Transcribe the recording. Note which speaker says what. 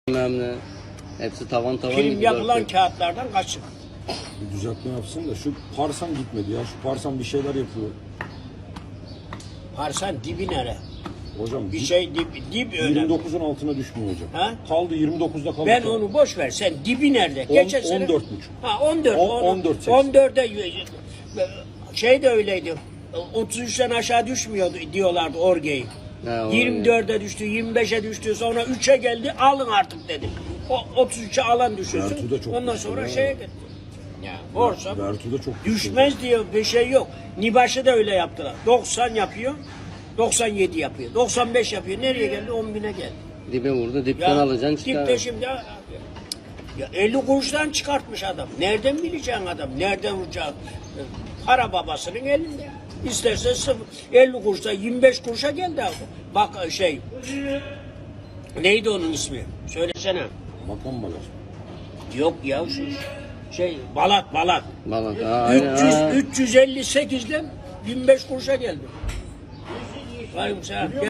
Speaker 1: bilmem ne. Hepsi tavan tavan
Speaker 2: Prim
Speaker 1: gibi.
Speaker 2: yapılan kağıtlardan kaçın.
Speaker 3: Bir düzeltme yapsın da şu Parsan gitmedi ya. Şu Parsan bir şeyler yapıyor.
Speaker 2: Parsan dibi nere?
Speaker 3: Hocam
Speaker 2: Bir şey dip önemli.
Speaker 3: 29'un altına düşmüyor hocam.
Speaker 2: Ha?
Speaker 3: Kaldı 29'da kaldı.
Speaker 2: Ben onu boş ver. Sen dibi nerede? Geçen sene
Speaker 3: 14,5.
Speaker 2: Ha 14.
Speaker 3: 14,8.
Speaker 2: 14'e şey de öyleydi. 33'ten aşağı düşmüyordu diyorlardı Orge'yi. 24'e düştü, 25'e düştü, sonra 3'e geldi, alın artık dedim. O 33'e alan düşürsün.
Speaker 3: Vertu da çok
Speaker 2: Ondan
Speaker 3: düştü
Speaker 2: sonra
Speaker 3: ya.
Speaker 2: şeye gitti. Ya borsa
Speaker 3: Vertu da çok düştü.
Speaker 2: düşmez diyor, bir şey yok. Nibaş'ı da öyle yaptılar. 90 yapıyor, 97 yapıyor, 95 yapıyor. Nereye geldi? 10.000'e geldi.
Speaker 1: Dibe vurdu, dipten alacaksın çıkar.
Speaker 2: Dipte şimdi ya 50 kuruştan çıkartmış adam. Nereden bileceksin adam? Nereden vuracak? Para babasının elinde. İsterse 50 kuruşa 25 kuruşa geldi abi. Bak şey neydi onun ismi? Söylesene.
Speaker 3: Bakan bagaj.
Speaker 2: Yok ya şu Balat.
Speaker 1: Balat.
Speaker 2: 358'den 25 kuruşa geldi. Vay